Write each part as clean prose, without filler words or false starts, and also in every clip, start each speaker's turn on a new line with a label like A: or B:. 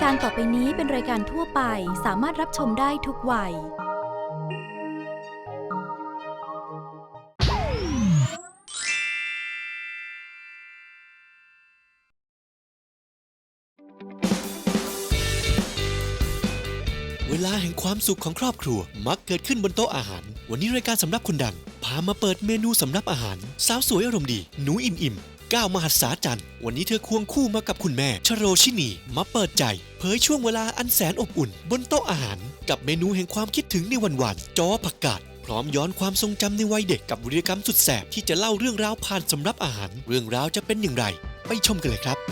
A: การต่อไปนี้เป็นรายการทั่วไปสามารถรับชมได้ทุกวัย
B: เวลาแห่งความสุขของครอบครัวมักเกิดขึ้นบนโต๊ะอาหารวันนี้รายการสำรับคนดังพามาเปิดเมนูสำรับอาหารสาวสวยอารมณ์ดีหนูอิ่มก้าวมหัศจรรย์วันนี้เธอควงคู่มากับคุณแม่ชโรชินีมาเปิดใจเผยช่วงเวลาอันแสนอบอุ่นบนโต๊ะอาหารกับเมนูแห่งความคิดถึงในวันๆจอผักกาดพร้อมย้อนความทรงจำในวัยเด็กกับวีรกรรมสุดแสบที่จะเล่าเรื่องราวผ่านสำรับอาหารเรื่องราวจะเป็นอย่างไรไปชมกันเลยครับ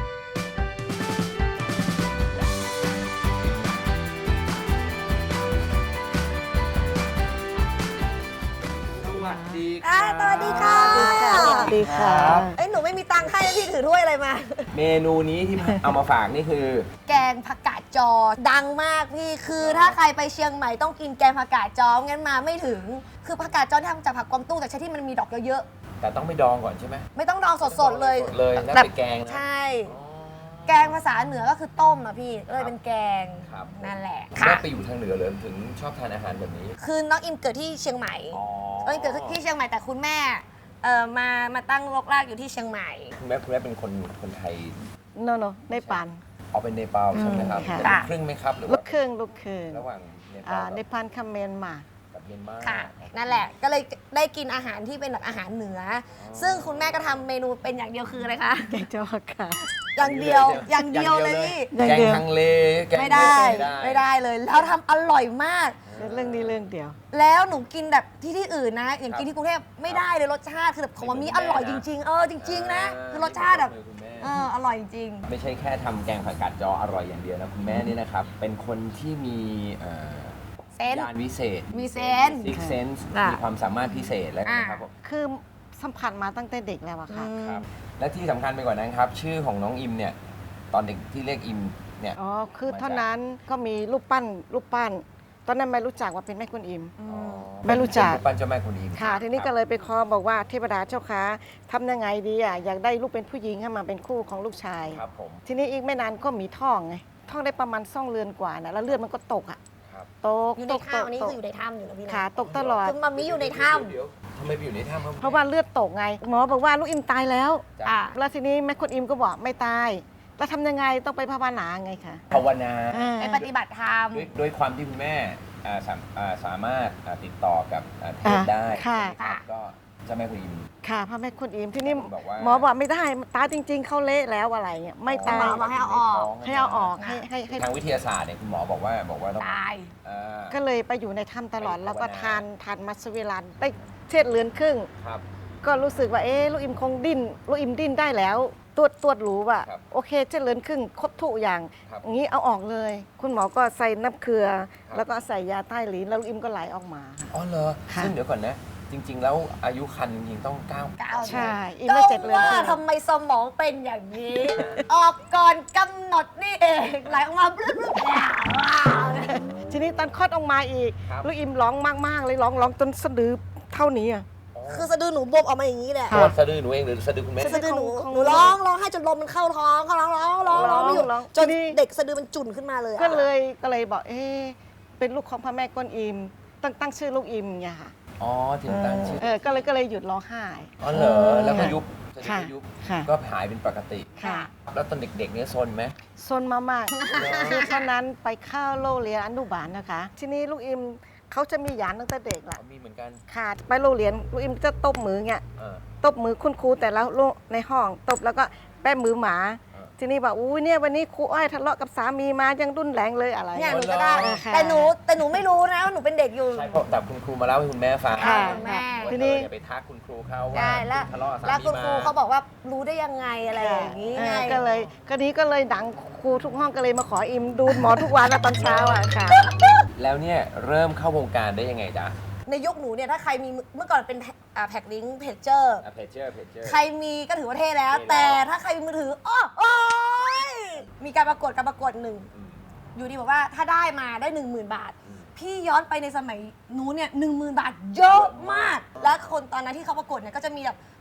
C: สวัสดีค่ะ
D: สวัสดีค่ะ
C: สวัสดีครับ
D: เอ้ยหนูไม่มีตังค์ให้พี่ถือถ้วยอะไรมา
C: เมนูนี้ที่เอามาฝากนี่คือ
D: แกงผักกาดจอดังมากพี่คือถ้าใครไปเชียงใหม่ต้องกินแกงผักกาดจองั้นมาไม่ถึงคือผักกาดจอที่ทำจากผักกวางตุ้งแต่ใช้ที่มันมีดอกเยอะ
C: แต่ต้องไปดองก่อนใช่ไหม
D: ๆไม่ต้องดองสดๆเลย
C: สดเลยแล้วไปแกงนะ
D: ใช่ แกงภาษาเหนือก็คือต้มอะพี่เลยเป็นแกง
C: ครับ
D: นั่นแหละ
C: ได้ไปอยู่ทางเหนือเลยถึงชอบทานอาหารแบบนี้
D: คือน้องอิมเกิดที่เชียงใหม่
C: อ๋อ
D: น้องอิมเกิดที่เชียงใหม่แต่คุณแม่มาตั้งรกรากอยู่ที่เชียงใหม่
C: คุณแม่เป็นคนไทย
E: no ในปาน
C: เอาเป็นเนปาลใช่ไหมครับ
E: ค่ะ
C: เป็นลูกครึ่งไหมครับหรือ
E: ลู
C: ว่าก
E: ครึ่งลูกครึ่ง
C: ระหว่างเนปาล
E: ในปานคาเมนมา
C: กับเมียนมา
D: ค่ะนั่นแหละก็เลยได้กินอาหารที่เป็นแบบอาหารเหนือซึ่งคุณแม่ก็ทำเมนูเป็นอย่างเดียวคืออะไรคะ
E: แกงจอค่ะ
D: อย่างเดียวเลยพี่
E: อย่าง
C: แกง
E: เดียว
C: ฮังเลแกง
D: ไม่ได้เลยแล้วทำอร่อยมาก
E: เรื่องนี้เรื่องเดียว
D: แล้วหนูกินแบบที่อื่นนะ อย่างกินที่กรุงเทพไม่ได้เลยรสชาติคือแบบของมันมีอร่อยจริงๆจริงๆนะคือรสชาติแบบอร่อยจริง
C: ไม่ใช่แค่ทำแกงผักกาดจออร่อยอย่างเดียวนะคุณแม่นี่นะครับเป็นคนที่มี
D: เซนส์
C: ญาณวิเศษ
D: มีเซนส์
C: ซิกเซนส์
D: ค่ะ
C: มีความสามารถพิเศษแล้วนะครับผม
E: คือสัมผัสมาตั้งแต่เด็กแล้วอะค่ะ
C: ครับและที่สำคัญไปกว่านั้นครับ ชื่อของน้องอิมเนี่ยตอนเด็กที่เรียกอิมเนี่ย
E: อ๋อ คือเท่านั้นก็มีรูปปั้น ตอนนั้นไม่รู้จักว่าเป็นแม่กุนอิม ไม่รู้จัก
C: เป็นรูปปั้นเจ้าแม่กุนอิม
E: ค่ะ ทีนี้ก็เลยไปขอบอกว่าเทวดาเจ้าค้าทำยังไงดีอะอยากได้ลูกเป็นผู้หญิงให้มาเป็นคู่ของลูกชาย
C: ครับผม
E: ทีนี้อีกไม่นานก็มีท้องไง ท้องได้ประมาณ2 เดือนกว่านะแล้วเลือดมันก็ตกอะ
C: ครับ
E: ตก
D: อยู่ในถ้ำอันนี้คืออยู่ในถ้ำอยู่นะพี่นะ
E: ขาตกตลอด
D: คือมัมมี่อยู่ในถ้
C: เดี๋ยวทำไมไปอยู่ในถ้ำครับ
E: เพราะว่าเลือดตกไง หมอบอกว่าลูกอิมตายแล้ว
D: ำอ่ะ
E: แล้วทีนี้แม่คุณอิมก็บอกไม่ตาย แล้วทำยังไงต้องไปภาวนาไงคะ
C: ภาวนา
D: ไปปฏิบัติธรรม
C: ด้วยความที่คุณแม่สามารถติดต่อกับเทพได้
E: ค่ะ
C: ครับก็เจ้าแม่กุนอิม
E: ค่ะพระแม่คุณอิมที่นี่
C: บอกว่า
E: หมอบอกไม่ได้ตายจริง ๆ เขาเละแล้วอะไรเงี้ยไม่ตาย
D: หมอบอกให้เอาออก
E: ให้เอาออกให้
C: ทางวิทยาศาสตร์เนี่ยคุณหมอบอกว่าต้อง
D: ตาย
C: อ่า
E: ก็เลยไปอยู่ในถ้ำตลอด
C: ไป
E: แล้วก็
C: ภาวนา
E: ทานมัสวิรันได้เช็ดเลือนครึ่ง
C: ครับ
E: ก็รู้สึกว่าลูกอิมคงดิ้นลูกอิมดิ้นได้แล้วตรวจรู้ว่า
C: ครับ
E: โอเคเช็ดเลือนครึ่งครบทุกอย่าง
C: ครับ
E: งี้เอาออกเลย คุณหมอก็ใส่น้ำเกลือ
C: ครับ
E: แล้วก็ใส่ยาใต้ลิ้นแล้วลูกอิมก็ไหลออกมา
C: อ๋อเหรอ
E: ค่ะ
C: ซึ่งเดี๋ยวก่อนนะ จริง ๆ แล้วอายุคันจริงๆต้อง9
E: ใช่อีก
D: ก็
E: ไม่7 เดือน
D: ว่า
E: ครึ่ง
D: ทำไมสมองเป็นอย่างนี้ ออกก่อนกำหนดนี่เองไหลออกมาบลึ๊บ
E: ทีนี้ตอนคลอดออกมาอีก
C: ครับ
E: ลูกอิมร้องมากๆเลยร้องจนสะดือเท่านี้อ่ะ
D: คือสะดือหนูบวมออกมาอย่างนี้แหละ
C: ตัวสะดือหนูเองหรือสะดือคุณแม่
D: สะดือหนู
E: ของ
D: หนูร้องให้จนลมมันเข้าท้องเขาร้องไม่หยุด
E: ร้อง
D: จน
E: ทีนี้
D: เด็กสะดือมันจุ่นขึ้นมาเลยอะ
E: ก็เลยบอกเป็นลูกของพระแม่กวนอิมตั้งชื่อลูกอิมเนี่ยค่ะ
C: อ๋อถึงตั้งชื่อ
E: ก็เลยหยุดร้องไห้
C: อ๋อเหรอแล้วก็ยุบสะดือ
E: ค่ะ
C: ก็ยุบ
E: ค่ะ
C: ก็หายเป็นปกติ
E: ค่ะ
C: แล้วตอนเด็กๆเนี่ยซนไหม
E: ซนมากๆคือตอนนั้นไปเข้าโรงเรียนอนุบาลนะคะ ทีนี้ลูกอิมเขาจะมีหยานตั้งแต่เด็กแหละ
C: มีเหมือนกัน
E: ขาดไปโรงเรียนลูกอิมจะตบมือเนี่ย
C: เออ
E: ตบมือคุณครูแต่ละโรงในห้องตบแล้วก็แป้มือหมา ทีนี้บอกอุ้ยเนี่ยวันนี้ครูอ้อยทะเลาะกับสามีมายังรุนแรงเลยอะไร
D: เนี่ยหนูก็ได้
E: ค่ะ
D: แต่หนูไม่รู้นะว่าหนูเป็นเด็กอยู่
C: ใช่เพราะแต่คุณครูมาเล่าให้คุณแม่ฟัง
E: ค่ะ
D: คุณแม่
C: ว่า
E: ทีนี้
C: อย่าไปทักคุณครูเขาว่า
D: ใช่แล้ว
C: ทะเลาะกับสา
D: แล้ว
C: มี
D: คุณครู
C: มา
D: เขาบอกว่ารู้ได้ยังไงอะไรอย่างนี้ไง
E: ก็เลยดังครูทุกห้องก็เลยมาขออิมดูหมอทุกวันนะตอนเช้าอ่ะค่ะ
C: แล้วเนี่ยเริ่มเข้าวงการได้ยังไงจ๊ะ
D: ในยุคหนูเนี่ยถ้าใครมีเมื่อก่อนเป็นแพ็คลิงก์เพจเจอร์
C: เพจเจอร์
D: ใครมีก็ถือว่าเท่แล้ว
C: เท่แล้ว
D: แต่ถ้าใครมีมือถือโอ้ยมีการประกวดหนึ่ง อยู่ดีบอกว่าถ้าได้มาได้ 10,000 บาท พี่ย้อนไปในสมัยนู้นเนี่ย10,000 บาทเยอะมาก แล้วคนตอนนั้นที่เขาประกวดเนี่ยก็จะมีแบบ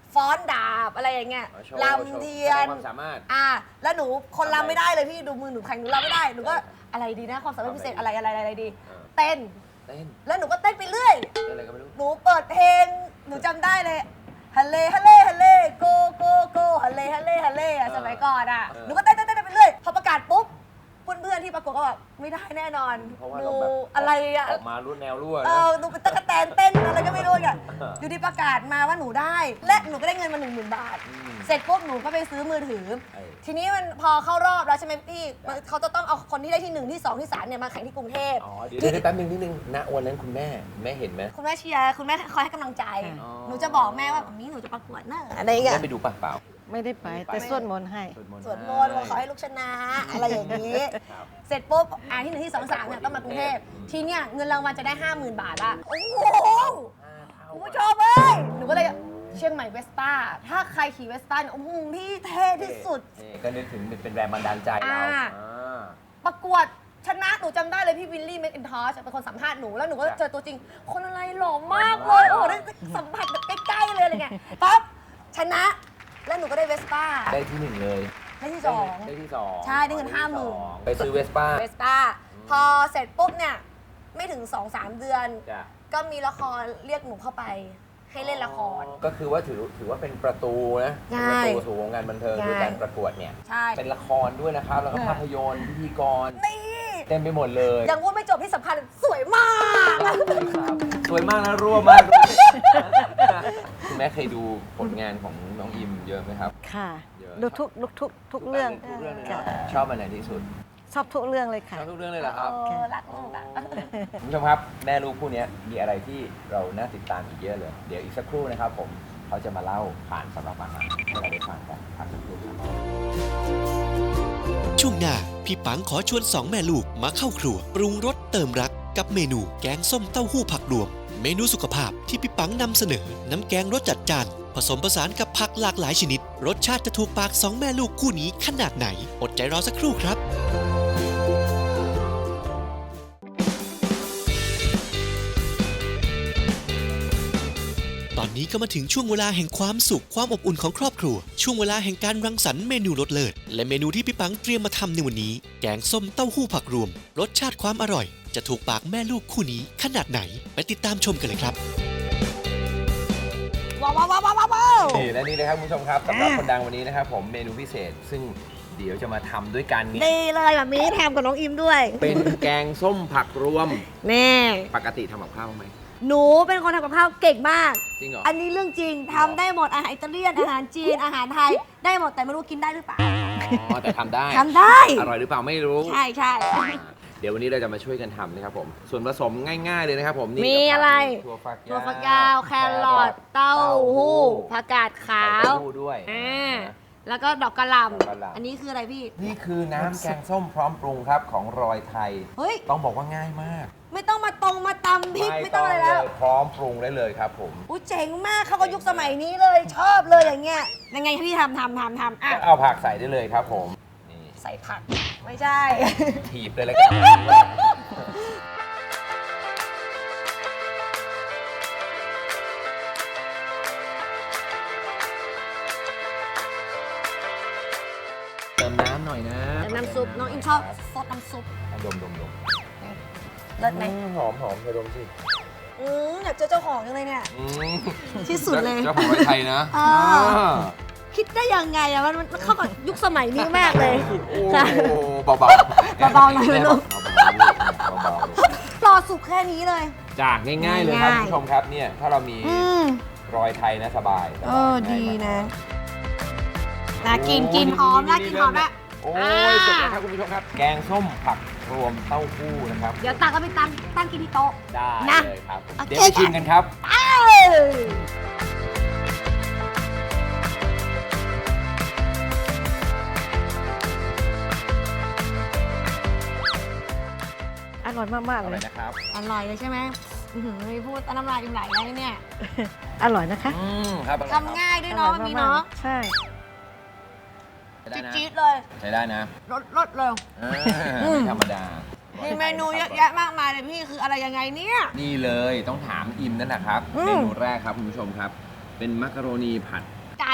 D: ฟ้อนดาบอะไรอย่างเงี้ย
C: โชว์
D: ลำเทีย
C: แสด
D: น
C: งความสามารถ
D: แล้วหนูคนลำไม่ได้เลยพี่ดูมือหนูแข็งหนูลำไม่ได้หนูก็อะไรดีนะความสามารถพิเศษอะไรดี เต้น
C: เต้น
D: แล้วหนูก็เต้นไปเรื่อย
C: เต้นอะไรก็ไม่รู้
D: หนูเปิดเพลงหนูจำได้เลยฮัลเลฮัลเลฮัลเลโกโกโกฮัลเลฮัลเลฮัลเลอะสมัยก่อนอะหนูก็เต้นไปเรื่อยพอประกาศปุ๊บเพื่อนๆที่ประกวดก็แบบไม่ได้แน่นอน
C: เพราะว่า
D: ห
C: เรา
D: นู
C: แบบ
D: อะไรอะ
C: ออกมารุ่นแนวรั่ว
D: เอ
C: นะ
D: อหนูเป็นตะกะแตนเต้นอะไรก็ไม่รู้อ่ะอยู่ดีประกาศมาว่าหนูได้ และหนูก็ได้เงินมา 10,000 บาท เสร็จปุ๊บหนูก็ไปซื้อมือถือ ทีนี้มันพอเข้ารอบแล้วใช่ไหมพี่เขาจะต้องเอาคนที่ได้ที่ 1 ที่ 2 ที่ 3เนี่ยมาแข่งที่กรุงเทพ
C: อ๋อเดี๋ยวแป๊บนึงนิดนึงณวันนั้นคุณแม่เห็นไหม
D: คุณแม่เชียร์คุณแม่คอยให้กำลังใจ
C: อ๋อ
D: หนูจะบอกแม่ว่าแบบนี้หนูจะประกวดนะอะไรอย่างเงี้ย
C: ได้ไปดูปะเปล่า
E: ไม่ได้ไปแต่สวดมนต์ให้
D: สวดมนต์ว่าขอให้ลูกชนะอะไรอย่างนี้ เสร็จปุ๊บที่ 1 ที่ 2 3เนี่ยต้องมากรุงเทพทีเนี้ยเงินรางวัลจะได้ 50,000 บาทอะโอ้โหคุณผู้ชมเอ้ยหนูก็เลยเชียงใหม่เวสป้าถ้าใครขี่เวสป้าเนี่ยโอ้โหพี่เท่ที่สุด
C: ก็นึกถึงเป็นแรงบันดาลใจเรา
D: ประกวดชนะหนูจำได้เลยพี่วิลลี่แมคอินทอชเป็นคนสัมภาษณ์หนูแล้วหนูก็เจอตัวจริง คนอะไรหล่อมากเลยโอ้โหได้สัมผัสแบบใกล้ๆเลยอะไรเงี้ยปั๊บชนะแล้วหนูก็ได้เวสป้า
C: ได้ที่ 1 เลย
D: ได้ที่
C: ได้ที่ 2
D: ใช่ได้เงิน50,000
C: ไปซื้อเวสป้า
D: 2เวสป้าพอเสร็จปุ๊บเนี่ยไม่ถึง 2-3 เดือน
C: จ้ะ
D: ก็มีละครเรียกหนูเข้าไปให้เล่นละคร
C: ก็คือว่าถือว่าเป็นประตูนะ
D: ใช่
C: เป็นประตูสู่วงการบันเทิง
D: ใช่
C: ด้วยการประกวดเนี่ย
D: ใช่
C: เป็นละครด้วยนะครับ แล้วก็ภาพยนตร์พิธีกร
D: นี่
C: เต็มไปหมดเลย
D: ยังว่าไม่จบที่สำคัญสวยมาก
C: สวยมากนะรั่วมากด้วยคุณแม่เคยดูผลงานของน้องอิมเยอะไหมครับ
E: ค่ะ
C: เยอะ
E: ดูทุกเรื่อง
C: ทุกเรื่องเลย
E: ค่ะ
C: นะชอบอันไหนที่สุด
E: ชอบทุกเรื่องเลย
C: ช
E: ค่ะ
C: อบทุกเรื่องเลยเหรอครับ
D: รักลูกอ่ะ
C: คุณผู้ชมครับแม่ลูกคู่นี้มีอะไรที่เราน่าติดตามอีกเยอะเลย เดี๋ยวอีกสักครู่นะครับผมเขาจะมาเล่าผ่านสำหรับอาหารให้เราได้ฟังกันพักสักครู่ครับ
B: ช่วงหน้า พี่ปังขอชวนสองแม่ลูกมาเข้าครัว ปรุงรสเติมรักกับเมนูแกงส้มเต้าหู้ผักรวม เมนูสุขภาพที่พี่ปังนำเสนอ น้ำแกงรสจัดจ้าน ผสมผสานกับผักหลากหลายชนิด รสชาติจะถูกปากสองแม่ลูกคู่นี้ขนาดไหน อดใจรอสักครู่ครับ ตอนนี้ก็มาถึงช่วงเวลาแห่งความสุขความอบอุ่นของครอบครัว ช่วงเวลาแห่งการรังสรรค์เมนูรสเลิศและเมนูที่พี่ปังเตรียมมาทำในวันนี้ แกงส้มเต้าหู้ผักรวม รสชาติความอร่อย จะถูกปากแม่ลูกคู่นี้ขนาดไหนไปติดตามชมกันเลยครับ
D: ว้าวว้าวว้าวว้าวว้าว
C: นี่และนี่นะครับคุณผู้ชมครับสำหรับคนดังวันนี้นะครับผมเมนูพิเศษ ซึ่งเดี๋ยวจะมาทำด้วยกันนี้
D: ดีเลยแบบนี้แถมกับน้องอิมด้วย
C: เป็นแกงส้มผักรวม
D: แน่
C: ปกติทำกับข้าวบ้างไหม
D: หนูเป็นคนทำกับข้าวเก่งมาก
C: จริงเหรอ
D: อันนี้เรื่องจริงทำได้หมดอาหารอิตาเลียนอาหารจีนอาหารไทยได้หมดแต่ไม่รู้กินได้หรือเปล่า
C: อ๋อแต่ทำได้
D: ทำได้
C: อร่อยหรือเปล่าไม่รู้
D: ใช่ใช่
C: เดี๋ยววันนี้เราจะมาช่วยกันทำนะครับผม ส่วนผสมง่ายๆเลยนะครับผมนี่
D: มีอะไร
C: ถั่วฝักยาว
D: ถั่วฝักยาวแครอทเต้าหู้ผักกาดขาว
C: เต้าหู้ด้วย
D: แล้วก็ดอกกระห
C: ดอกกระห
D: ล่ำ
C: ล่ำ
D: อันนี้คืออะไรพี่
C: นี่คือน้ำแกงส้มพร้อมปรุงครับของรอยไทย
D: เฮ้ย
C: ต้องบอกว่าง่ายมาก
D: ไม่ต้องมามาตำพริกไม่ต้องอะไรแล้ว
C: พร้อมปรุงได้เลยครับผม
D: อู้เจ๋งมากเข้ากับยุคสมัยนี้เลยชอบเลยอย่างเงี้ยยังไงพี่ทำอ่ะ
C: เอาผักใส่ได้เลยครับผมนี่
D: ใส่ผักไม่ใช่
C: ถีบเลยแล้วกันเติมน้ำหน่อยนะ
D: น้ำซุปน้องอิมชอบซดน้ำซุป
C: ดม
D: เลิศไหม
C: หอมเธอดมสิ
D: อยากเจอเจ้าของจังเลยเนี่ย ที่สุดเลย
C: เจ้าของรอยไทยนะ
D: เออ คิดได้ยังไงอะมันเข้ากับยุคสมัยนี้มากเลย
C: โอ้
D: ค่ะ
C: เบาๆ
D: เบาๆหน่อยลูก
C: เบา
D: รอสุกแค่นี้เลย
C: ๆจากง่ายๆเลยครับ
D: ง่าย
C: คุณผู้ชมครับเนี่ยถ้าเรามีรอยไทยนะสบาย
D: ดีนะน่ากินหอมน่ากินหอมละ
C: โอ้ยสุดแล้วครับคุณผู้ชมครับ แกงส้มผักรวมเต้าหู้นะครับ
D: เดี๋ยวตักก็ไปตั้งกินที่โต๊ะ
C: ได้
D: นะ
C: เลยครับ
D: โอเค
C: เดี๋ยวไปชิมกันครับ
E: อร่อยมากๆ
C: อ
E: เล
C: ร่อย
E: ย
C: นะครับ
D: อร่อยเลยใช่ไหมไม่พูดน้ำลายอิ่มไหลแล้วเนี่ย
E: อร่อยนะคะ
C: ครับอร่อยครับ
D: ทำง่ายด้วยเนาะมีเนาะ
E: ใช่
C: ใช้ได้นะ
D: จี๊ดๆเลย
C: ใช้ได้นะ
D: รสเลย
C: ไม่ธรรมดา
D: มีเมนูเยอะแยะมากมายเลยพี่คืออะไรยังไงเนี่ย
C: นี่เลยต้องถามอิมนั่นแหละครับ
D: อืม
C: เมนูแรกครับคุณผู้ชมครับ เป็นมักกะโรนีผัด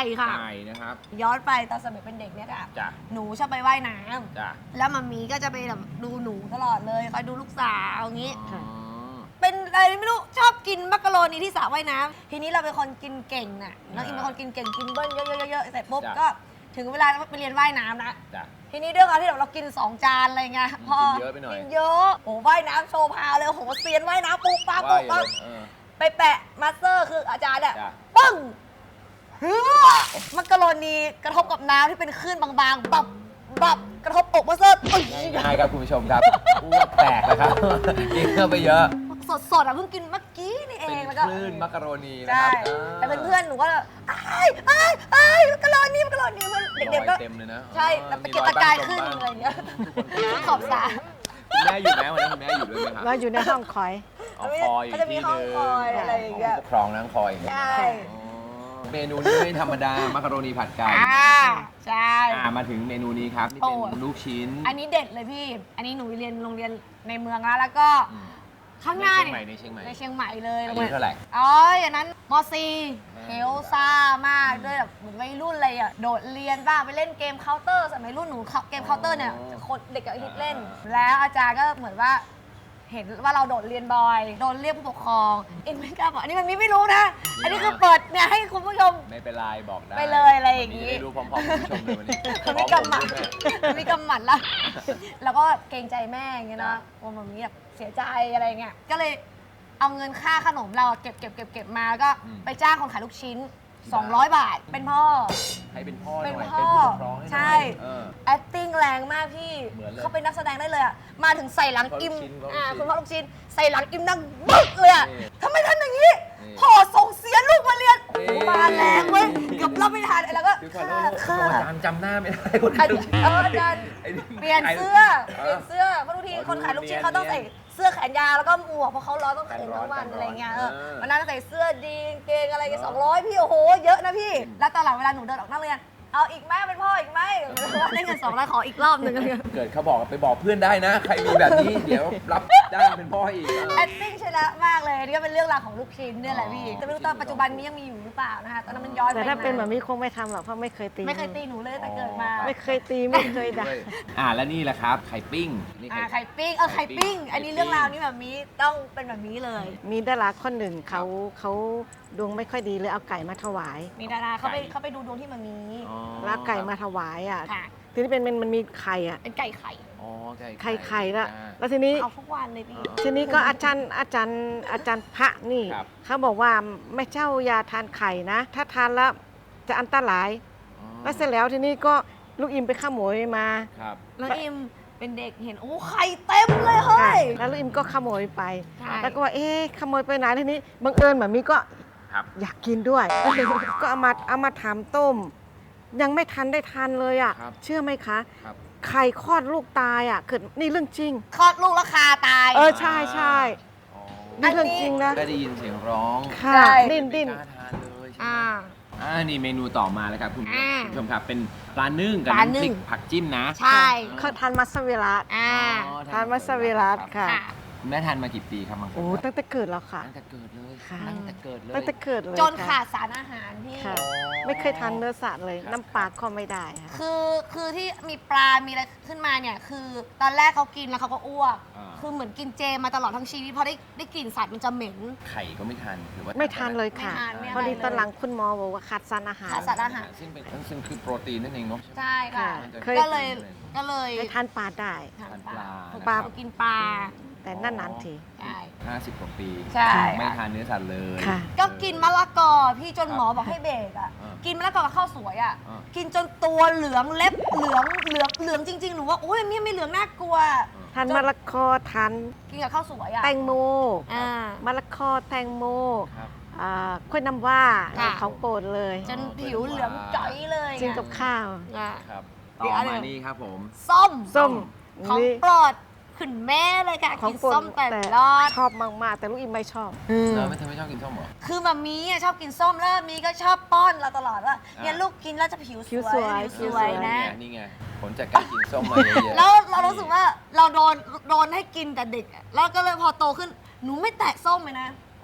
D: ค่ะ
C: ไก่นะครับ
D: ย้อนไปตอนสมัยเป็นเด็กเนี่ยค่ะ
C: จ้ะ
D: หนูชอบไปว่ายน้ำ
C: จ้ะ
D: แล้วมัมมี่ก็จะไปแบบดูหนูตลอดเลยคอยดูลูกสาวอย่างงี้
C: อ๋อ
D: เป็นอะไรไม่รู้ชอบกินมักกะโรนีที่สระว่ายน้ำทีนี้เราเป็นคนกินเก่งน่ะน้องอิมเป็นคนกินเก่งกินเบิ้ลเยอะๆๆๆเสร็จปุ๊บก็ถึงเวลาไปเรียนว่ายน้ำนะ
C: จ้ะ
D: ทีนี้ด้วยความที่เรากิน 2 จานอะไรเงี้ยพอ
C: กินเยอะไปหน่อย
D: กินเยอะโอ้ว่ายน้ำโชว์พาวเลยโอ้โหเซียนว่ายน้ำปุ๊บปั๊บปุ๊บปั๊บ ไปแปะมาสเตอร์คืออาจารย์อะ
C: จ้ะ
D: ปึ้งเฮือมักกะโรนีกระทบกับน้ำที่เป็นคลื่นบางๆบับกระทบอกมาสเตอร์ปึ้ง
C: ง่ายๆครับคุณผู้ชมครับอ้วกแตกนะครับกินเข้าไปเยอะ
D: สดๆอะเพิ่งกินเมื่อกี้นี่เอ
C: เป็น
D: งแล้วก็
C: คลื่นมักกะโรนีนะ
D: ใช่
C: ครับ
D: แต่เป็นเพื่อนหนูก็อ้ายมักกะโรนีเพื่อนเด็กๆก็
C: รอยเต็มเลยนะ
D: ใช่แต่ตะเกียกตะกายขึ้นอะไรอย่างเงี้ยขอบสระ
C: คุณแม่อยู่ไหมวันนั้นคุณแม่อยู่ด้วยไหมครับ
E: เราอยู่ในห้องคอย
C: เอาคอย
D: เขาจะมีห้องคอยอะไรอย่างเงี้ย
C: ปกครองนั่งคอยอย่างเงี้ย
D: ใช่
C: อ๋อเมนูนี้ไม่ธรรมดามักกะโรนีผัดไก่
D: ใช่
C: มาถึงเมนูนี้ครับนี่เป็นลูกชิ้น
D: อันนี้เด็ดเลยพี่ อันนี้หนูเรียนโรงเรียนในเมืองแล้วก็
C: อืม
D: ข้างหน้าเนี่ย
C: ในเชียงใหม่
D: ในเชียงใหม่เลย
C: อายุเท่าไหร่
D: อ๋ออย่างนั้นม .4 เฮลซ่ามากด้วยแบบเหมือนวัยรุ่นเลยอ่ะ โดดเรียนบ้างไปเล่นเกมเคาน์เตอร์สมัยรุ่นหนูเกมเคาน์เตอร์เนี่ยคนเด็กก็ฮิตเล่น แล้วอาจารย์ก็เหมือนว่า เห็นว่าเราโดดเรียนบ่อย โดนเรียกผู้ปกครองเอ็นไม่กล้าบอกอันนี้มันไม่รู้นะ อันนี้คือเปิดเนี่ยให้คุณผู้ชม
C: ไม่เป็นไรบอกได้
D: ไปเลยอะไรอย่างงี้
C: นี้ได้ดูพร้อมๆคุณผู้ชมเลยวันนี้
D: มันไม่กำหมัดมันไม่กำหมัดละแล้วก็เกรงใจแม่อย่างเงี้ยเนาะว่ามันมีแบบเสียใจอะไรเงี้ย ก็เลยเอาเงินค่าขนมเราอะเก็บมาแล้วก็ไปจ้างคนขายลูกชิ้น 200 บาท เป็นพ่อ
C: ให้เป็นพ่อหน่อย
D: เป็น
C: เป็น
D: พ่อ
C: ผู้ปกครองให้หน่อย
D: ใช่
C: เออ
D: acting แรงมากพี่
C: เหมือนเลย
D: เขาเป็นนักแสดงได้เลยอะมาถึงใส่หลังอิม
C: คุณพ่อลูกชิ้น
D: คุณพ่อลูกชิ้นใส่หลังอิมนั่งบึ๊กเลยอะ
C: นี่
D: ทำไมทำอย่างนี้
C: นี่
D: พ่อส่งเสียลูกมาเรียน
C: นี่
D: โอ้มาแรงเว้ยเกือบรับไม่ทันแล้วก็
C: คือขอ
D: ค่ะ
C: โทษ
D: ค่ะ
C: อาจารย์จำหน้าไม่ได้คน
D: อา
C: ขายลูกชิ้น
D: จารย์
C: ไอ้นี่
D: เปลี่ยนเสื้อเพราะทุกที
C: อ๋อ
D: คนขายลูกชิ้น
C: เนียน
D: เขาต้องใส่เสื้อแขนยาวแล้วก็หมวกเพราะเขาร้อนต้องเข็นทั้งวัน
C: กันร้อน
D: อะไรเงี้ย
C: เออ
D: วันนั้นใส่เสื้อดีกางเกงอะไรกัน200 พี่โอ้โหเยอะนะพี่ แล้วตอนหลังเวลาหนูเดินออกนักเรียนเอาอีกไหมเป็นพ่ออีกไหมได้เงิน200ขออีกรอบหนึ่งอะไรเงี้ย
C: เกิดเขาบอกไปบอกเพื่อนได้นะ ใครมีแบบนี้ เดี๋ยวรับจ้างเป็นพ่อให้อีก
D: acting ชนะมากเลยนี่ก็เป็นเรื่องราวของลูกชิ้นเนี่ยแหละพี่
C: อ๋อ
D: แต่ไม่รู้ตอนปัจจุบันนี้ยังมีอยู่หรือเปล่านะคะตอนนั้นมันย้อนไป
E: แต่ถ้าเป็นแบบ
D: น
E: นี้คงไม่ทำหรอกเพราะไม่เคยตี
D: ไม่เคยตีหนูเลยแต่เกิดมา
E: ไม่เคยตีไม่เคยด่า
C: แล้วนี่แหละครับ ไข่ปิ้งนี่
D: ไข่ปิ้งไข่ปิ้ง อันนี้เรื่องราวนี้แบบนี้ต้องเป็นแบบนี้เลย
E: มีดาราคนหนึ่งเขาดวงไม่ค่อยดีเลยเอาไก่มาถวาย
D: มีดาราเขาไปดูดวงที่มันมี
C: อ๋อ
E: แล้วไก่มาถวายอ่ะ
D: ค่ะ
E: ทีนี้มันมีไข่อ่ะ
D: เป็นไก่ไข่
C: อ๋อไก่
E: ไข่ละ
C: อ่า
E: แล้วทีนี้
D: เอาทุกวันเลยพี่
E: ทีนี้ก็อาจารย์พระนี่
C: ครับ
E: เขาบอกว่าไม่เจ้าอย่าทานไข่นะ ถ้าทานแล้วจะอันตราย
C: อ๋อ
E: แล้วเสร็จแล้วทีนี้ก็ลูกอิมไปขโมยมา
C: ครับ
D: แล้วอิมเป็นเด็กเห็นโอ้ไข่เต็มเลยเฮ้ย
E: แล้วลูกอิมก็ขโมยไป
D: ใช่
E: แล้วก็ว่าเอ๊ะขโมยไปไหนทีนี้บังเอิญแบบนี้ก็
C: ครับ
E: อยากกินด้วย ก็เอามาทำต้ม ยังไม่ทันได้ทานเลยอ่ะ
C: ครับ
E: เชื่อไหมคะ
C: ครับ
E: ไข่คลอดลูกตายอ่ะเกิดนี่เรื่องจริง
D: คลอดลูกแล้วคาตาย
E: ใช่ใช่
C: อ๋อ
E: นี่เรื่องจริงนะ
C: ได้ยินเสียงร้อง
E: ค่ะ
D: ใช่
E: ดิ้น
C: ไม่กล้าทานเลยใช่ไหม นี่เมนูต่อมาแล้วครับคุณ
D: อ่า
C: ผู้ชมครับเป็นปลานึ่งกับ
D: ปลานึ่
C: น้ำพริ
D: ง
C: กผักจิ้มนะ
D: ใช่
E: เขาทานมัสวิรัต
D: อ่า
C: อ๋อ
E: ทานมัสวิรัตค่ะ
D: ค่ะ
C: คุณแม่ทานมากี่ปีครับมังคุด
E: โอ้ตั้งแต่เกิดแล้วค่ะ
C: ตั้งแต่เกิดเลย
E: ค่ะ
C: ตั้งแต่เกิดเลย
E: ตั้งแต่เกิดเลย
D: จน
E: ค่ะ
D: ขาดสารอาหารพี่
E: ค่ะ ไม่เคยทานเนื้อสัตว์เลย
C: ครับ
E: น้ำปลาก็ไม่ได้ค่ะ
D: คือที่มีปลา มีอะไรขึ้นมาเนี่ย คือตอนแรกเขากินแล้วเขาก็อ้วก คือเหมือนกินเจมาตลอดทั้งชีวิตพอได้กลิ่นสัตว์มันจะเหม็น
C: ไข่ก็ไม่ทานหรือว่า
E: ไม่ทานเลยค่ะ
D: ไม่ทานไม่อะไร
E: พอดี
D: เลย
E: ตอนหลังคุณหมอบอกว่าขาดสารอาหาร
D: ขาดสารอาหาร
C: ซึ่งคือโปรตีนนั่นเองเนาะ
D: ใช่ค่ะ
E: เคย
D: ก็เลย
E: ให้ทานปลาได้
D: ทาน
C: ทาน
D: ป
C: ป
D: ลา
C: ลา
E: ปลา
D: กินปลา
E: แต่นั่นนานๆที
D: ใช่
C: 50 กว่าปี
D: ใช่
C: ไม่ทานเนื้อสัตว์เลย
E: ค่ะ
D: ก็กินมะละกอพี่จนหมอบอกให้เบรกอ่ะ
C: อ่ากิ
D: กินมะละกอกับข้าวสวยอ่ะ
C: อ่า
D: กินจนตัวเหลืองเล็บเหลืองจริงๆ หนูว่าโอ้ยไม่เหลืองน่ากลัว
E: ทานมะละกอทาน
D: กินกับข้าวสวยอ่ะ
E: แตงโม
D: อ่าม
E: ะละกอแตงโม
C: ครับ
E: กล้วยน้ำว้า
D: ค่ะ
E: ของโปรดเลย
D: จนผิวเหลืองจ๋อยเลย
E: กินกับข้าว
D: อ่ะ
C: ครับ
D: อี
C: ต่
D: ก
C: อ
D: อันหนึ่
C: มาง นี่ครับผม
D: ส้ม
E: ส้ม
D: ของ
E: นี่
D: โปรดขึ้นแม่เลยค่ะ
E: ของ
D: กิน
E: โปรด
D: ส้มแต่รอด
E: ชอบมากๆ แต่ลูกอิมไม่ชอบ
C: เราไม่ทำไม่ชอบกินส้มเหรอ
D: คือมามีอ่ะชอบกินส้มแล้วมีก็ชอบป้อนเราตลอดว่าเนี่ยลูกกินแล้วจะผิวส
E: ผิว
D: ว
E: ส
D: ย
E: วย
D: ผิวสวยนะ
C: นี่ไงผลจากการกินส้มมาเยอะๆ
D: แล้วเรารู้สึกว่าเราโดนให้กินแต่เด็กอะแล้วก็เลยพอโตขึ้นหนูไม่แตะส้มเลยนะ
C: อ๋อ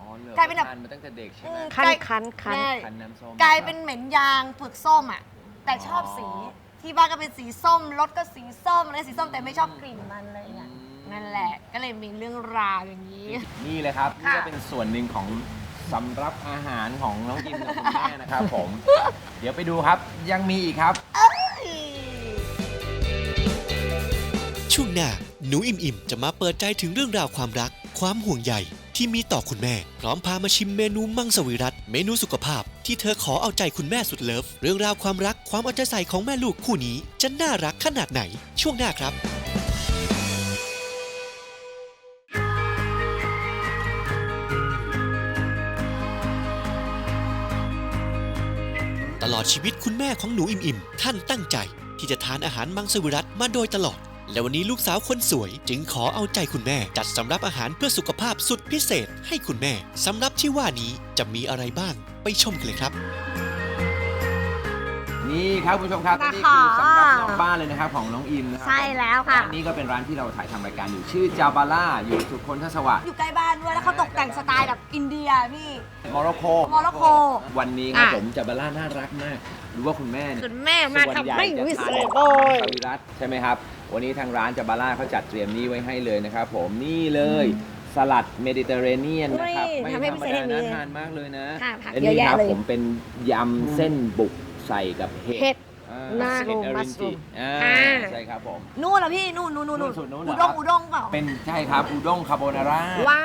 C: เหรอก
D: ลายเป็นแบบ
C: ทานมาตั้งแต่เด็กใช่ไหม
E: คัน
D: ใช่
E: คันคัน
D: ใช่
C: คันน้ำส้ม
D: กลายเป็นเหม็นยางเผือกส้มอ่ะแต่ชอบสีที่บ้านก็เป็นสีส้มรถก็สีส้มอะไรสีส้มแต่ไม่ชอบกลิ่นมันอะไรอย่างเงี้ยนั่นแหละก็เลยมีเรื่องราวอย่างนี้
C: นี่เลยครับนี่
D: ค่ะ
C: ก็เป็นส่วนหนึ่งของสำรับอาหารของน้องกิมกับคุณแม่นะครับผม เดี๋ยวไปดูครับยังมีอีกครับ
B: ช่วงหน้าหนูอิ่มจะมาเปิดใจถึงเรื่องราวความรัก ความห่วงใยที่มีต่อคุณแม่ พร้อมพามาชิมเมนูมังสวิรัติเมนูสุขภาพ ที่เธอขอเอาใจคุณแม่สุดเลิฟเรื่องราวความรักความเอาใจใส่ของแม่ลูกคู่นี้จะน่ารักขนาดไหน ช่วงหน้าครับ ตลอดชีวิตคุณแม่ของหนูอิ่มท่านตั้งใจ ที่จะทานอาหารมังสวิรัติมาโดยตลอด และวันนี้ลูกสาวคนสวยจึงขอเอาใจคุณแม่ จัดสำรับอาหารเพื่อสุขภาพสุดพิเศษให้คุณแม่สำรับที่ว่านี้จะมีอะไรบ้างไปชมกันเลยครับ
C: นี่ครับคุณผู้ชมครับ
D: นะคะ
C: นี่คือสำรับนอกบ้านเลยนะครับของน้องอิมนะครั
D: ใช่แล้วค่ะ
C: ร้านนี้ก็เป็นร้านที่เราถ่ายทำรายการอยู่ชื่อจาบาร่าอยู่สุขนทศวรรษ
D: อยู่ใกล้บ้านด้วยแล้วเขาตกแต่งสไตล์แบบอินเดียพี่
C: โมร็อกโก
D: โมร็อกโก
C: วันนี้ครับ
D: อ่ะ
C: ผมจาบาร่าน่ารักมากรู้ว่าคุณแม่เนี่ย
D: คุณแม่มาทำให้วิเศษ
C: โอ้ยสวิรัตใช่ไหมครับ วันนี้ทางร้านจาบาร่าเขาจัดเตรียมนี้ไว้ให้เลยนะครับผมนี่เลยสลัดเมดิเตอร์เรเนียนนะครับ
D: อุ้ย
C: ไม่
D: ทำให้
C: ธร
D: พิ
C: รม
D: เศษ
C: ดา
D: อย่างนี้
C: น่าทานมากเลยนะ
D: ค่ะผัก
C: และ
D: เยอะ
C: นี่
D: แยะ
C: ครับ
D: เลย
C: ผมเป็นยำเส้นบุกใส่กับเห็
D: เห็
C: ด
D: ด
E: น่า
C: เห็ดอรินจิ
D: อ่า
C: ใช่ครับผม
D: นู่นเหรอพี่นู่น
C: สุดนู้นเหร
D: อุ
C: อ
D: ด้
C: ครั
D: ง
C: บ
D: อุด้งเปล่า
C: เป็นใช่ครับอูด้งคาโบนาร่า
D: ว้าว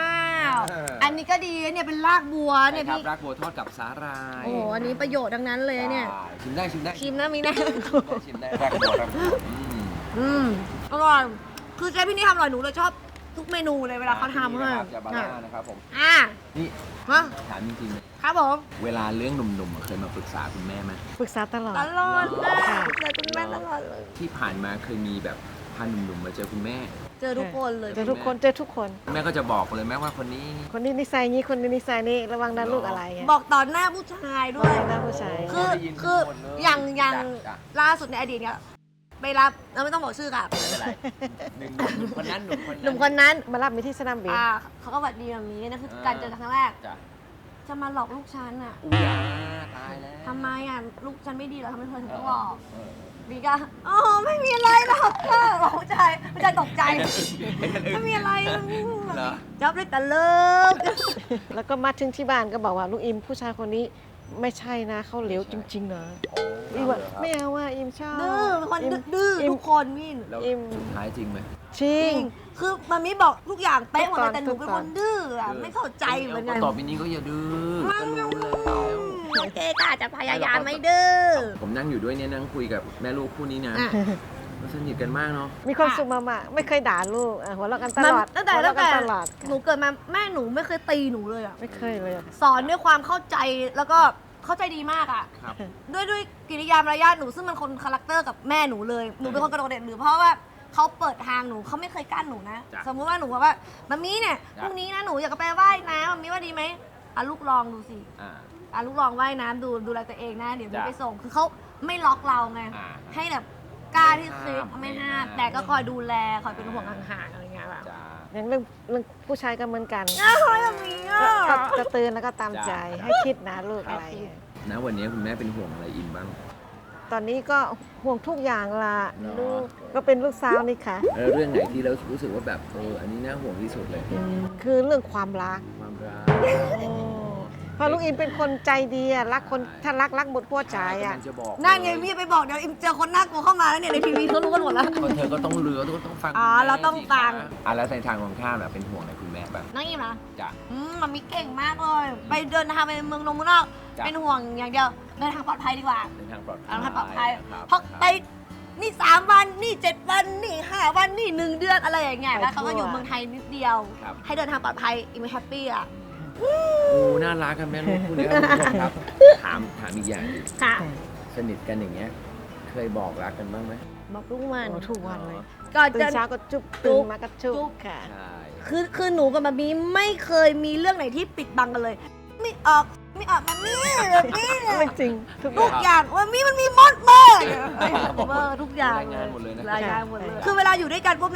C: เอออั
D: อันนี้ก็ดีนะเนี่ยเป็นรากบัว
C: ใช่
D: เนี่ย
C: ครับ
D: พี่
C: รากบัวทอดกับสาหร่าย
D: โอ้โหอันนี้ประโยชน์ทั้งนั้นเลยเนี่ย
C: ใช่ชิมได้ชิมได้
D: ชิมนะมีนะ
C: ชิมได้รากบัวรากบัว
D: อร่อยคือเจ๊พี่นี่ทำอร่อยหนูเลยชอบทุกเมนูเลยเวลาเขาทำ
C: นี่
D: ให้
C: นะครับจาบาร่านะครับผม
D: อ่ะ
C: นี่
D: ฮะ
C: ถามจริงๆ
D: ครับผม
C: เวลาเรื่องหนุ่มๆเคยมาปรึกษาคุณแม่ไหม
E: ปรึกษาตลอด
D: ตลอดนะ
E: ค่ะ
D: เจอคุณแม่ตลอดเลย
C: ที่ผ่านมาเคยมีแบบพาหนุ่มๆมาเจอคุณแม่
D: เจอทุกคนเลย
E: เจอทุกคนเจอทุกคน
C: แม่ก็จะบอกเลยแม่ว่าคนนี้
E: คนนี้นิสัยนี้คนนี้นิสัยนี้ระวังนะลูกอะไรเงี้ย
D: บอกต่อหน้าผู้ชายด้วย
E: บอกต่อหน้าผู้ชาย
D: คือ
C: ได้ยิน
D: คือ
C: หมดเลย
D: อย่าง
C: จ้ะ
D: ล่าสุดในอดีตเนี่ยไปรับเราไม่ต้องบอกชื่อค่ะ
C: ไม่เป็นไรหนุ่มคนนั้น
D: หนุ่มคนนั้น
E: มารับมีที่สนามบิน
D: เขาก็หวัดดีแบบนี้นั่นคือการเจอครั้งแรก
C: จ้ะ
D: จะมาหลอกลูกฉันอ่ะ
C: อุ้ยตายแล้ว
D: ทำไมอ่ะลูกฉันไม่ดีเหรอทำไมเธอถึงต้องหลอก
C: เออ
D: บีก็อ๋อไม่มีอะไรหรอกค่ะบอกผู้ชายตกใจ ไม่มีอะไร
C: เหรอ
D: จับเลยแต่เลิก
E: แล้วก็มาถึงที่บ้านก็บอกว่าลูกอิมผู้ชายคนนี้ไม่ใช่นะเขาเหลวจริงๆนะอิมว่าไม่เอาว่าอิมชอบ
D: ดื้อเป็นคน
E: อิม
D: ดื้อ
E: อิม
D: ทุกคนพี่
C: แล้ว
E: อิ่ม
C: สุดท้ายจริงไหม
E: จริ
D: จ
E: ง
D: ริงคือมามิบอกทุกอย่างเป๊ะหมดเลย
E: ทุกตอน
D: แต่หนูเป็นคนดื้ออ่ะไม่เข้าใจเหมือนกัน
C: ต่อไปนี้ก็อย่าดื้อก็รู้แล้ว
D: โอเคก็อาจจะพยายามไม่ดื้อ
C: ผมนั่งอยู่ด้วยเนี่ยนั่งคุยกับแม่ลูกคู่นี้นะ
D: อ่ะ
C: ก็สนิทกันมากเนาะ
E: มีความสุขมากๆไม่เคยด่าลูกหัวเราะกันตลอด
D: ตั้งแต่
E: หัวเราะกันตลอด
D: หนูเกิดมาแม่หนูไม่เคยตีหนูเลยอ่ะ
E: ไม่เคยเลย
D: สอนด้วยความเข้าใจแล้วก็เข้าใจดีมากอ่ะ
C: ครับ
D: ด้วยกิริยามารยาทหนูซึ่งมันคนคาแรคเตอร์กับแม่หนูเลยหนูเป็นคนกระโดดเด่นหรือเพราะว่าเขาเปิดทางหนูเขาไม่เคยกั้นหนูนะ
C: จ้ะ
D: สมมุติว่าหนูบอกว่ามัมมี่เนี่ย
C: จ้ะ
D: พรุ่งนี้นะหนูอยากจะไปว่ายน้ำมัมมี่ว่าดีไหมอ่ะลูกลองดูสิ
C: อ่า
D: อ่ะลูกลองว่ายน้ำดูแลตัวเองนะเดี๋ยวหนู
C: จ้ะ
D: ไปส่งคือเขาไม่ล็อกเราไง
C: อ่า
D: ให้แบบกล้าที่คิด
C: ไม่
D: ไม่
C: ห้า
D: ห้าม มแต่ก็คอยดูแลคอยเป็นห่วงห่างๆอะไรเงี้ยแบบ
C: จ้า
E: อย่างเรื่องผู้ชายก็เหมือนกัน
D: อ้าวเฮ้ยมัมมี่อ่ะ
E: ก็จะเตือนแล้วก็ตามใจ
C: จ้ะ
E: ให้คิดนะลูกอะไรเงี้ย
C: นะวันนี้คุณแม่เป็นห่วงอะไรอินบ้าง
E: ตอนนี้ก็ห่วงทุกอย่างละ
C: เนอะ
E: ลูกก็เป็นลูกสาวนี่ค่ะ
C: แล้วเรื่องไหนที่เรารู้สึกว่าแบบอันนี้น่าห่วงที่สุดเลย
E: คือเรื่องความรัก
C: ความรัก
E: เพราะลูกอิมเป็นคนใจดีอะรักคนถ้ารักหมดหัวใจอะ
C: กำลังจะบอก
D: นั่นไงพี่ไปบอกเดี๋ยวอิมเจอคนน่ากลัวเข้ามาแล้วเนี่ยในทีวีเขารู้กันหมดแล้ว
C: คนเธอก็ต้องเลือต้องฟัง
D: อ๋อ
C: คุณแม่
D: เราต้อง
C: สิคะ
D: ฟัง
C: แล้วในทางของข้ามเป็นห่วงอะไรคุณแม่บ้าง
D: น้องอิมนะ
C: จ้ะ
D: มันมีเก่งมากเลย ไปเดินทางไปเมืองนอก
C: จ้ะ
D: เป็นห่วงอย่างเดียวเดินทางปลอดภัยดีกว่า
C: ในทางปลอดภัย
D: เอาทางปลอดภัย
C: นะครับ
D: เพราะไปนี่3 วันนี่7 วันนี่5 วันนี่1 เดือนอะไรอย่างเงี้ยแล้วเขาก็อยู่เมืองไทยนิดเดียว
C: ครับ
D: ให้เดินทางปลอดภัยอิมแฮปปี้อ่ะ
C: โอ้น่ารักกันแม่ลูกคู่นี้ครับคุณผู้ชมครับ ถามอีกอย่างหนึ่ง
D: ค่ะ
C: สนิทกันอย่างเงี้ย เคยบอกรักกันบ้างไหม
D: บอกทุกวัน
E: โอ้ทุกวันเลย
D: ก่อน
E: ตื่
D: จะ
E: นเช้าก็จุ๊บ
D: จุ๊
E: ตื่
D: บ
E: นมาก็จุ๊
D: จุ๊
E: บบ ค่ะ
C: ใช่
D: คือหนูกับมามีไม่เคยมีเรื่องไหนที่ปิดบังกันเลย ไม่ออกมันนี่แบบนี้
E: ไม่จริงทุกอ
D: ทุ
E: ย่าง
D: กอย่างว่ามีมันมีมดเบอร์เบอร์ทุกอย่าง
C: รายงานหมดเลยนะ
D: รายงานหมดเลย
E: ใช่
D: คือเวลาอยู่ด้วยกันปุ๊บเนี่ย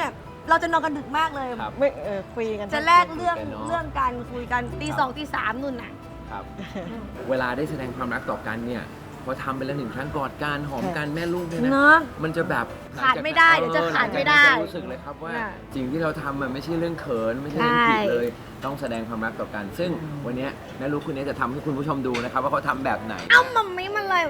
D: เราจะนอนกันดึกมากเลย
C: ครับ
E: ไม่คุยกัน
D: จะแลกเรื่อง
C: คุยกันเนอะ
D: เรื่องการคุยกันตีสองตีสามนู่นน่ะ
C: ครับ เวลาได้แสดงความรักต่อกันเนี่ยพอทำไปแล้ว1 ครั้งกอดกันหอมกันแม่ลูกเนี่ยนะ
D: เนอะ
C: มันจะแบบ
D: ขาดไม่ได้เดี๋ยวจะขาดไม่ได้
C: หลังจากนั้นจะรู้สึกเลยครับว่า
D: น่ะ
C: สิ่งที่เราทำมันไม่ใช่เรื่องเขินไม่ใช่เรื่องผิดเลย ต้องแสดงความรักต่อกัน ซึ่งวันนี้แม่ลูกคนนี้จะทำให้คุณผู้ชมดูนะครับว่าเขาทำแบบไหน
D: เอ้ามัมมี่มันอะไร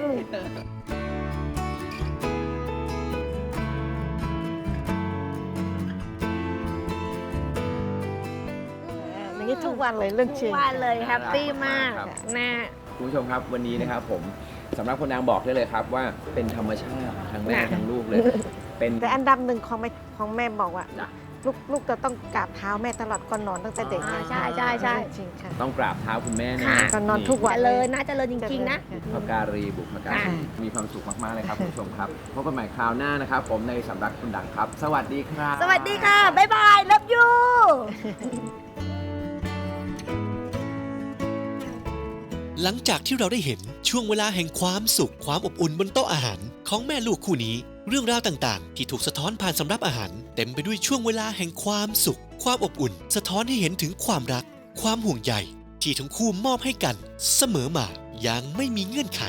E: อย่างนี้ทุกวันเลยเรื่องจริง
D: วันเลยแฮปปี้มาก
C: ครับ
D: นะ
C: คุณผู้ชมครับวันนี้นะครับผมสำหรับคนนางบอกได้เลยครับว่าเป็นธรรมชาติทั้งแม่ทั้งลูกเลย เป็น
E: แต่อันดับหนึ่งของแม่บอกว่า
C: จ้ะ
E: ลูกจะต้องกราบเท้าแม่ตลอดก่อนนอนตั้งแต่เด็ก
D: ใช่ใช่ใช่
E: จริงค่ะ
C: ต้องกราบเท้าคุณแม่นะ
D: ค่ะ
E: ก่อนนอนทุกวัน
D: เจริญนะเจริญจริงๆนะ
C: พการีบุพการีมีความสุขมากๆเลยครับคุณผู้ชมครับพบกันใหม่คราวหน้านะครับผมในสำนักคุณดังครับ สวัสดีครับ
D: สวัสดีค่ะ บ๊ายบาย love you
B: หลังจากที่เราได้เห็นช่วงเวลาแห่งความสุขความอบอุ่นบนโต๊ะอาหารของแม่ลูกคู่นี้ เรื่องราวต่างๆ ที่ถูกสะท้อนผ่านสำรับอาหาร เต็มไปด้วยช่วงเวลาแห่งความสุข ความอบอุ่น สะท้อนให้เห็นถึงความรัก ความห่วงใยที่ทั้งคู่มอบให้กัน เสมอมาอย่างไม่มีเงื่อนไข